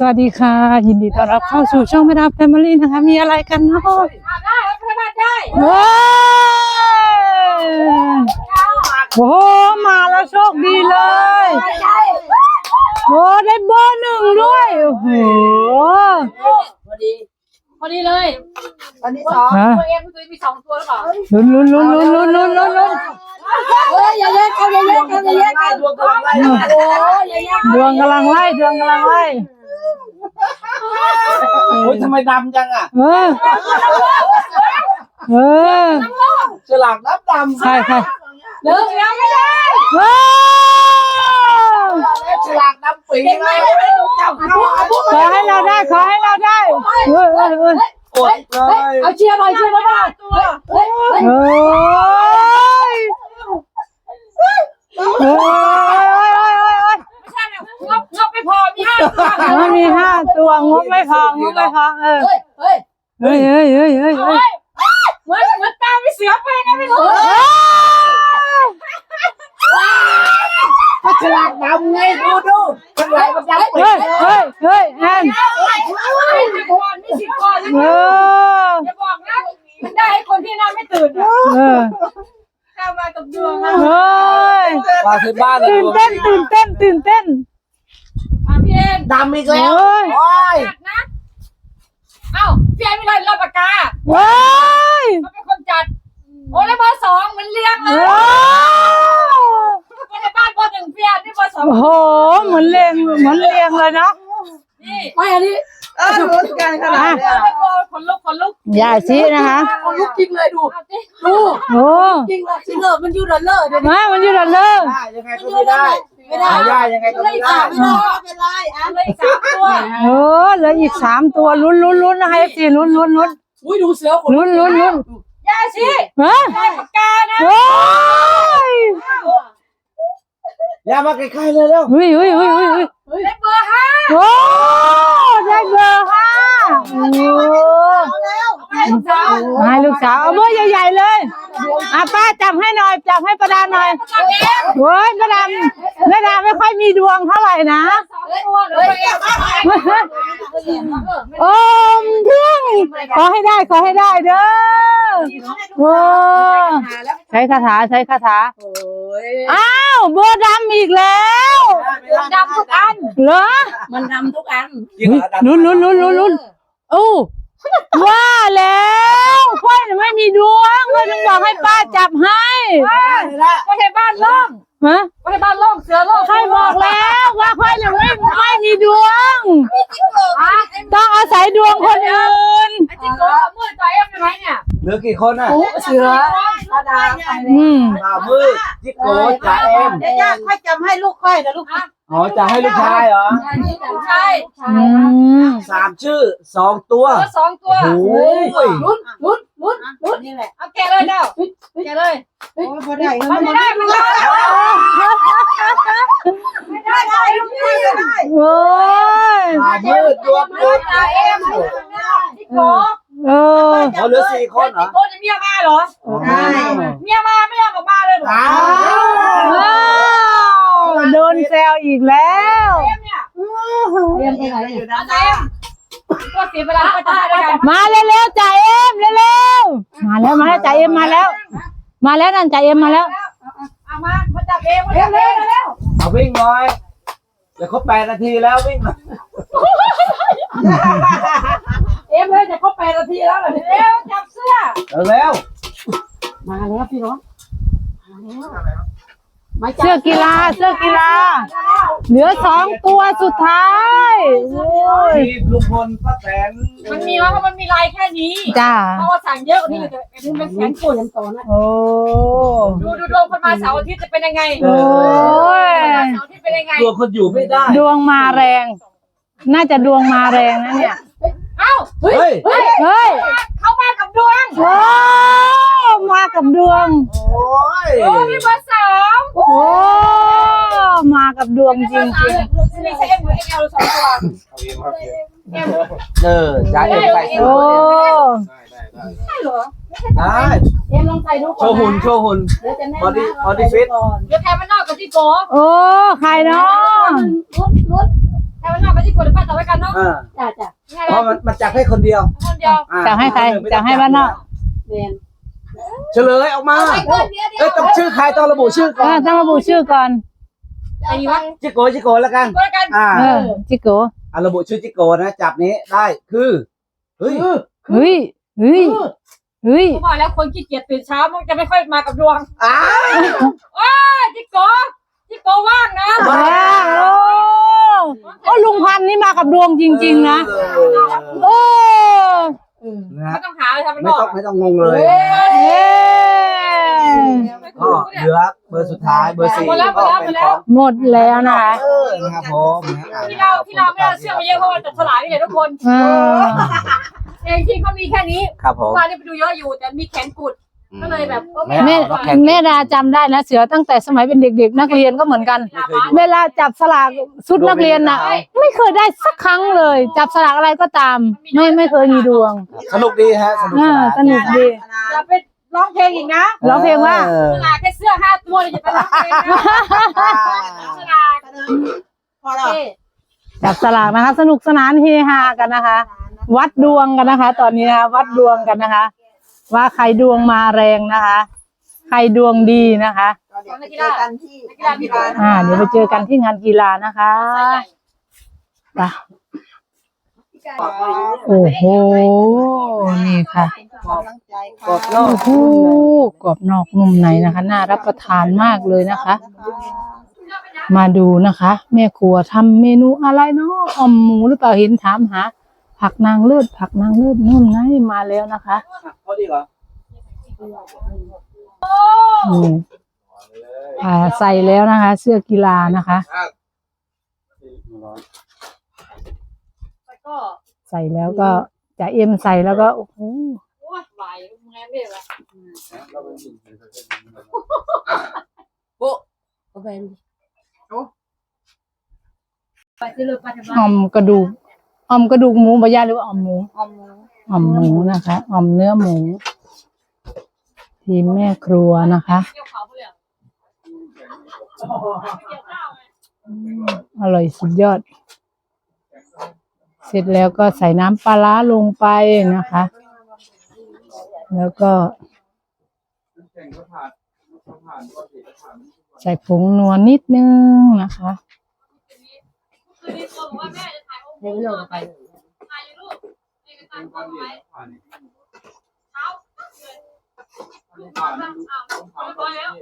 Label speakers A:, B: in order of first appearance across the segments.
A: วัสดีค่ะยินดีต้อนรับเข้าสู่ช่องแม่ดาแฟมิลี่นะคะมีอะไรกันเนาะ
B: ได้พนันได้
A: ว้าวโอ้มาแล้วโชคดีเลยโอ้ได้เบอร์หนึ่งด้วยโอ้โห
B: พอดีเลยวันที่สองตัวเองตัวมี2ตัวหรือเปล่า
A: ลุ้น
B: เฮ้ยอย่าแยกกันอย่าแยกกันอย่าแยกกันดวงกำลังไล่
A: ดวงกำลังไล่
C: โอ้ยทำไมดำจังอ่ะฉลากน้ำดำ
A: ใช่
B: เลิกแล้วไม่ได้
C: ฉลากน้ำปีเลย
A: ขอให้เราได้อดเลย
B: เอาเชียร์หน่อยบ้างงบไม่พอมี
A: 5 ตัวงบไม่พอเหมื
B: อนตาไม่เสือไปนะไม่รู้
C: ฉลากดำไงดูฉลากมันดำปี
A: แอน
B: มี10 ก่อนอย่าบอกนะมันได้ให้คนที่น่าไม่ตื่นเข้ามากับดวงนะ
C: มาที่บ้าน
A: ตื่นเต้น
B: พี่เอ็น
C: ดำอีกแล้ว
B: นะเอ้าพี่เอ็นไม่ได้รับปากกาเขาเป็นคนจัดโอ้แล้วเบอร์ 2มันเลี้ยงเลยไม่ได้บ้านเบอร์ 1พี่เอ็นนี่เบอร์ 2
A: โอ้โหเหมือนเรียงเลยเนาะ
B: นี่ไม่อันนี้
C: รู้กันขนาดนี้
B: คนลุก
A: อย่าชี้นะคะ
B: คนลุกจริงเลยดู
A: โอ้
B: จริงเลยมันอยู่ดอลเลอร์
A: มันอยู่ดอลเลอร์
C: ยังไงก็ไม่ได้ยังไงก็ไม่ได้
B: เป็นไรเลยอีก3 ตัว
A: เหลืออีก3 ตัวลุ้นนะคะสิลุ้น
B: อุ้ยดูเสือ
A: ลุ้น
B: ย่าชี้ได้ปากกานะ
C: อย่ามาใกล้ๆเลยแล้ว
A: อุ้ย
B: ได้เบอร์ 5
A: โอ้ได้เบอร์5ให้ลูกสาวเอาเบอร์ใหญ่ๆเลยป้าจับให้หน่อยจับให้ประดาหน่อยโอ้ยประดาไม่ค่อยมีดวงเท่าไหร่นะโอ้เพื่อนขอให้ได้เด้อโอ้ใช้คาถาอ้าวเบอร์ดำอีกแล้ว
B: ดำทุกอัน
A: เหรอ
B: มันดำทุกอัน
A: ลุ้นโอ้ว่าแล้วค่อยไม่มีดวงเลยถึงบอกให้ป้าจับให้
B: ก็ให้บ้านล่องก็ให้บ้านล่องเสือล่อง
A: ใครบอกแล้วว่าค่อยไม่มีดวงต้องอาศัยดวงคนอื่น
B: ไอ้จิ๊กโก้มืดใจยังไงเนี่ย
C: เหลือกี่คนอ่ะ
B: เสือตาดา
C: มืดจิ๊กโก้จ่าเอ็ม
B: ย่าค่อยจำให้ลูกค่อยนะลูก
C: อ๋อจะให้ลูกชายเหรอ
B: ใช่
C: 3 ชื่อ 2 ตัว
B: 2 ตัว
C: โอ้ย
B: ลุ้นนี่แหละเอาแกะเลยเจ้าแกะเลยไม่ได้
A: โอ้ย
C: มืดดวง
B: จ่าเอ็มจิ๊กโก้
C: เขาเหลือ4 คนเหรอ
B: จิ๊กโก้จะเมียมาเหรอใช่เมียมาไม่ยอมออกมาเลยเหรอ
A: โดนแซวอีกแล้ว
B: เอ็มไปไหนอยู่นะเอ็มก็เสียเวลาก็จะได้กัน
A: มาเร็วจ่าเอ็มเร็วมาแล้วจ่าเอ็มมาแล้วนั่นจ่าเอ็มมาแล้ว
B: เอามาจับเอ็มเร็ว
C: เอาวิ่งหน่อยจะครบ8 นาทีแล้ววิ่ง
B: เอ็มเลยจะครบ8 นาทีแล้วเหรอเร็วจับเสื้อ
C: เร็ว
B: มาแล้วพี่น้อง
A: เสื้อกีฬาเหลือ2 ตัวสุดท้าย
C: ทีมลุงพลป้าแตน
B: มันมีเพราะมันมีลายแค่นี้
A: จ้า
B: เพราะว่าสั่งเยอะกว่านี้เลยอันนี้เป็นแสนตัวยันต่อนะ
A: โอ้
B: ดูดวงคนมาเสาร์อาทิตย์จะเป็นยังไง
A: โอ้ย
B: เสาร์อาทิตย์เป็นยังไง
C: ตัวคนอยู่ไม่ได้
A: ดวงมาแรงน่าจะดวงมาแรงนะเนี่ย
B: เอ้าเฮ้ยเข้ามากับดวง
A: มากับดวง
C: โอ้
B: มีเบอร์ 3
A: มากับดวงจริง
B: ไม่ใช่เอ็มหรือเอล2 ตัว
C: จ่าเอ็มใส่
A: โอ้
B: ใช่เหรอ
C: ได้
B: เอ็มลองใส่ดูก่อน
C: โชว์หุ่นบอดี้ฟิต
B: เดี๋ยวแทนมันนอกกับที่โก้
A: โอ้ใครเนาะ
B: แต่ว่านอกก็ที่กดป้าต่อไว้กันเนาะ
C: อ่า
B: จ้ะ
C: เพราะมันจับให้คนเดียว
B: คนเดียว
C: อ่า
A: จะให้ใคร
C: ไม่
A: จะ
C: ต้อง
A: ให้บ้านนอก
B: เรียน
C: เฉลยออกมาเอ้ยต้องชื่อใครต้องระบุชื่อก่อน
A: ต้องระบุชื่อก่อน
B: ไอ้วะ
C: จิโกจิโกแล้วกัน
B: ก็แล้วกัน
C: อ่า
A: จิโก
C: ระบุชื่อจิโกนะจับนี้ได้คือเฮ้ย
A: เฮ้ยเฮ้ยเฮ้ย
B: ผมบอกแล้วคนขี้เกียจตื่นเช้ามันจะไม่ค่อยมากับดวง
C: อ้า
B: จิโกว่างนะ
A: ว้าวโอ้ลุงพันธุ์นี่มากับดวงจริงๆนะโอ้
C: นะฮะ
B: ไม่ต้องหาเลยทำเป็น
C: ไม่
B: บอก
C: ต้องงงเลย
A: เย้
C: ก็เหลือเบอร์สุดท้ายเบอร์4ก็เป็นของ
A: หมดแล้วนะคะ
C: นะครับผมนะ
B: ที่เราไม่ได้เชื่อมาเยอะเพราะว่าจับฉลากนี่แหละทุกคน เองที่เขามีแค่นี้
C: ครับผม
B: ว่านี่ไปดูเยอะอยู่แต่มีแขนกุดก็เลยแบบ
A: แม่แม่ดาจำได้นะเสือตั้งแต่สมัยเป็นเด็กๆนักเรียนก็เหมือนกัน เวลาจับสลากชุดนักเรียนน่ะ ไม่เคยได้สักครั้งเลย จับสลากอะไรก็ตาม ไม่เคยมีดวง
C: สนุกดีฮะสนุกสนาน
A: สนุกดี
B: อย่าไปร้องเพลงอีกนะ
A: ร้องเพลงว่า
B: ฉลากแค่เสื้อ5 ตัวเลยอย่าไปร้องเพลงนะฉลาก
D: พอแล้ว
A: จับสลากนะคะ สนุกสนานเฮฮากันนะคะ วัดดวงกันนะคะ ตอนนี้นะคะวัดดวงกันนะคะ ว่าใครดวงมาแรงนะคะ ใครดวงดีนะคะ
D: เดี๋ยวไปเจอกันที่งานกีฬานะคะ
A: เดี๋ยวไปเจอกันที่งานกีฬานะคะไปโอ้โหนี่ค่ะ
D: กำลังใจค่ะ
C: กดโล
A: โอ้
C: ก
A: โหกรอบนอกนุ่มในนะคะ น่ารับประทานมากเลยนะคะ มาดูนะคะ แม่ครัวทำเมนูอะไรเนาะอ่อมหมูหรือเปล่าเห็นถามหา ผักนางเลิศผักนางเลิศนู่นไงมาแล้วนะคะ
C: เขาดีเหรอ
A: อืมใส่แล้วนะคะ เสื้อกีฬานะคะ
B: แล้วก็
A: ใส่แล้วก็จะเอ็มใส่แล้วก็โอ้โห
B: โอ้ยไหวแม่ไม่ไหวไปที่เลยไปที่บ้าน
A: อ่อมกระดูกหมูบะยาหรือว่าอ่อมหมู อ่อมหมูนะคะอ่อมเนื้อหมู ทีมแม่ครัวนะคะ
B: เกี่ยวเขาเลยอ่ะเกี่ยวข้าวไง
A: อร่อยสุดยอด เสร็จแล้วก็ใส่น้ำปลาร้าลงไปนะคะ แล้วก็ ใส่ผงนัวนิดนึงนะคะ
B: คืนนี้ตัวบอกว่าแม่จะถ่ายองค์ปู่ลงไปถ่ายรูปเอกสารเอาไว้เช้าเลยลูกนอนบ้างอ้าวพอแล้ว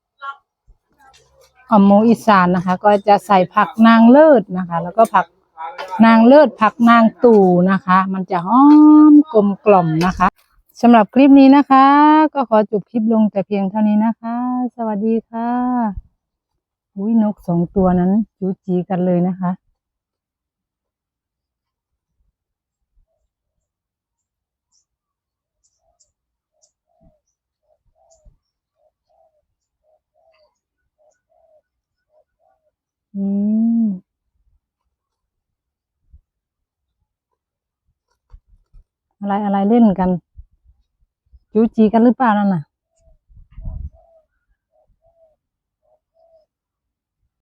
A: อ่อมหมูอีสานนะคะ ก็จะใส่ผักนางเลิศนะคะ แล้วก็ผักนางเลิศผักนางตู่นะคะ มันจะหอมกลมกล่อมนะคะสำหรับคลิปนี้นะคะ ก็ขอจบคลิปลงแต่เพียงเท่านี้นะคะ สวัสดีค่ะอุ้ยนก2 ตัวนั้นจูจีกันเลยนะคะอะไรเล่นกันจูจีกันหรือเปล่านั่นน่ะ